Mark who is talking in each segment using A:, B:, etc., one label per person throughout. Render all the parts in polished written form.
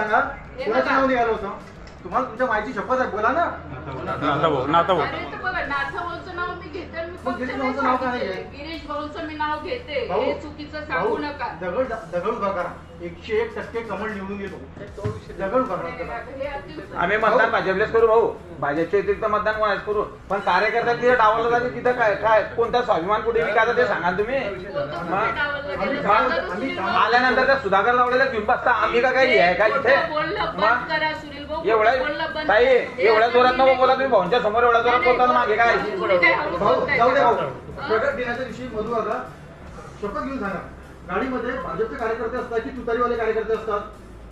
A: सांगा, कोणाचं नाव निघालं होतं? तुम्हाला तुमच्या माहिती शपथ आहे, बोला ना.
B: नाथाभाऊ
C: अरे तर बघा, नाथाभाऊचं नाव मी घेते, मी
A: मग
C: फक्त
A: गिरीश
C: नाही
A: भाऊचं नाव काय
C: सांगितलंय.
A: आहे?
C: गिरीश भाऊचं मी नाव घेते,
A: भाऊ,
C: हे चुकीचं सांगू नका.
A: दगड उभा करा. 101% कमळ निवडून येतो. दगड उभा करा.
C: हे अति-
B: आम्ही मतदान भाजपलेच करू भाऊ, भाजपच्या व्यतिरिक्त मतदान कोणाच करू, पण कार्यकर्ता तिथे डावलं जाते, तिथं काय काय कोणता स्वाभिमान कुठे विकायचा ते सांगा तुम्ही.
C: कोणतं
B: मग?
C: कुठे डावललं गेलं?
A: आम्ही-
C: सांगा तर
A: आम्ही-
C: सुनील भाऊ.
B: आल्यानंतर त्या सुधाकर लावलेल्या घेऊन बसता, आम्ही का काही आहे का इथे?
C: बोलणं बंद
B: मग
C: करा सुनील भाऊ,
B: एवढ्या
C: बोलणं बंद
B: ताई
C: करा. हे
B: एवढ्या
C: आता
B: जोरात नको
C: मी-
B: बोला तुम्ही, भाऊंच्या समोर एवढ्या जोरात बोलताना मागे काय?
C: तुम्ही काय हळू
A: भाऊ,
C: बोलताय
A: जाऊ दे
C: का?
A: भाऊ. प्रगट दिनाच्या दिवशी मधू आता शपथ घेऊन सांगा, गाडीमध्ये भाजपचे कार्यकर्ते असतात की तुतारीवाले कार्यकर्ते असतात?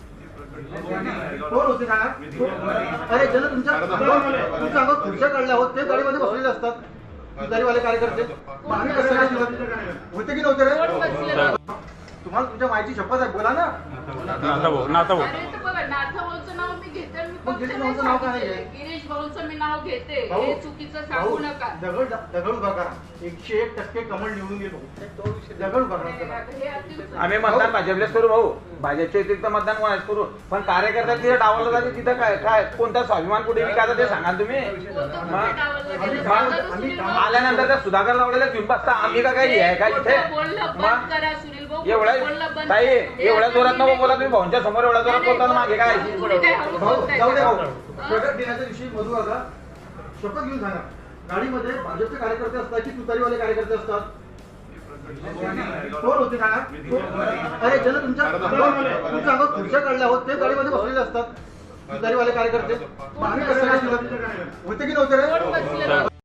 A: कोण होते सांगा? अरे ज्यांना तुमच्या अंगावर खुर्च्या काढल्या आहोत ते गाडीमध्ये बसलेले असतात, तुतारीवाले कार्यकर्ते. मग आम्ही कसं काय दिलं? होते की नव्हते
C: कोण
A: रे?
C: बसलेलं?
A: तुम्हाला तुमच्या माहिती शपथ आहे, बोला ना.
B: नाथाभाऊ
C: अरे तर बघा, नाथाभाऊचं नाव मी घेते, मी
A: मग
C: फक्त
A: गिरीश
C: नाही
A: भाऊचं नाव काय आहे?
C: सांगितलंय. गिरीश भाऊचं मी नाव घेते,
A: भाऊ,
C: हे चुकीचं सांगू नका.
A: दगड उभा करा. 101% कमळ निवडून येतो. दगड उभा करा.
C: हे अति-
B: आम्ही मतदान भाजपलेच करू भाऊ, भाजपच्या व्यतिरिक्त मतदान कोणाच करू, पण कार्यकर्ता तिथे डावलं जाते, तिथं काय काय कोणता स्वाभिमान कुठे विकायचा ते सांगा तुम्ही.
C: कोणतं
B: मग
C: कुठे डावललं गेलं?
A: आम्ही-
C: सांगा तर सुनील भाऊ.
B: आल्यानंतर त्या सुधाकर लावलेल्या घेऊन बसता, आम्ही का काही आहे का इथे?
C: बोलणं
B: मग
C: बंद करा सुनील भाऊ,
B: एवढ्या
C: बोलणं बंद
B: ताई
C: करा. हे
B: एवढ्या
C: आता
B: जोरात
C: मी-
B: नको बोला तुम्ही, भाऊंच्या समोर एवढ्या जोरात बोलताना मागे काय?
C: तुम्ही काय हळू
A: भाऊ,
C: बोलताय
A: जाऊ दे
C: का?
A: भाऊ. प्रगट दिनाच्या दिवशी मधू आता शपथ घेऊन सांगा, गाडीमध्ये भाजपचे कार्यकर्ते असतात की तुतारीवाले कार्यकर्ते असतात? कोण होते सांगा? अरे ज्यांना तुमच्या अंगावर खुर्च्या काढल्या आहोत ते गाडीमध्ये बसलेले असतात, तुतारीवाले कार्यकर्ते. मग आम्ही कसं काय दिलं? होते की नव्हते
C: कोण
A: रे?
C: बसलेलं?